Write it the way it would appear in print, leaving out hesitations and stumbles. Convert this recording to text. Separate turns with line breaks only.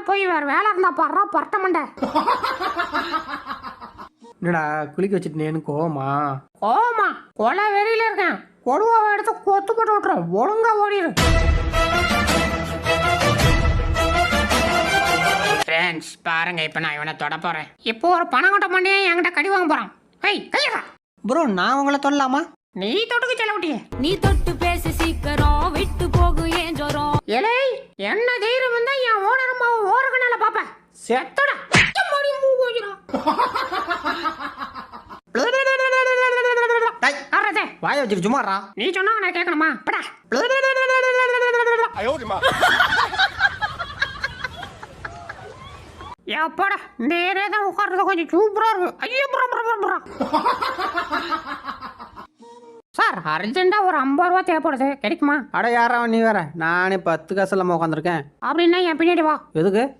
போய் வேற வேலை இருந்தா பாடுறா பரட்ட மண்டை.
என்னடா குளிக்க வச்சுட்டு நேனு கோவமா?
கோவமா? கொலை வெறியில இருக்கேன். கொடுவாவை எடுத்து கொத்து போட்டு விட்டுறோம். ஒழுங்கா ஓடிடு. ஃப்ரெண்ட்ஸ் பாருங்க, இப்போ நான் இவனை தொட போறேன். இப்போ ஒரு பணங்கட்ட மண்டையே என்கிட்ட கடி வாங்க போறான். ஹேய் கையடா.
ப்ரோ நான் உங்களை தொடலாமா?
நீ தொட்டுக்கு செல்ல விட்டியே.
நீ தொட்டு பேசி சீக்கிரம் விட்டு போகு ஏன் ஜோரம்.
ஏலே என்ன தைரியம் இருந்தா என் ஓனரம்மா ஓரகனால பாப்ப. செத்தடா.
வாய வச்சிரு சும்மாறா.
நீ சொன்னா நான் கேட்கணுமா? படா. எப்படா நேரே தான் உட்கார்றது கொஞ்சம் சூப்பரா இருக்கு. ஐயோ சார் அர்ஜென்ட்டா ஒரு 50 ரூபா தேவைப்படுது, கிடைக்குமா?
அட யாரா நீ வேற, நானே 10 காசு இல்லாம உட்காந்துருக்கேன்.
அப்படின்னா என் பின்னாடி வா.
எதுக்கு?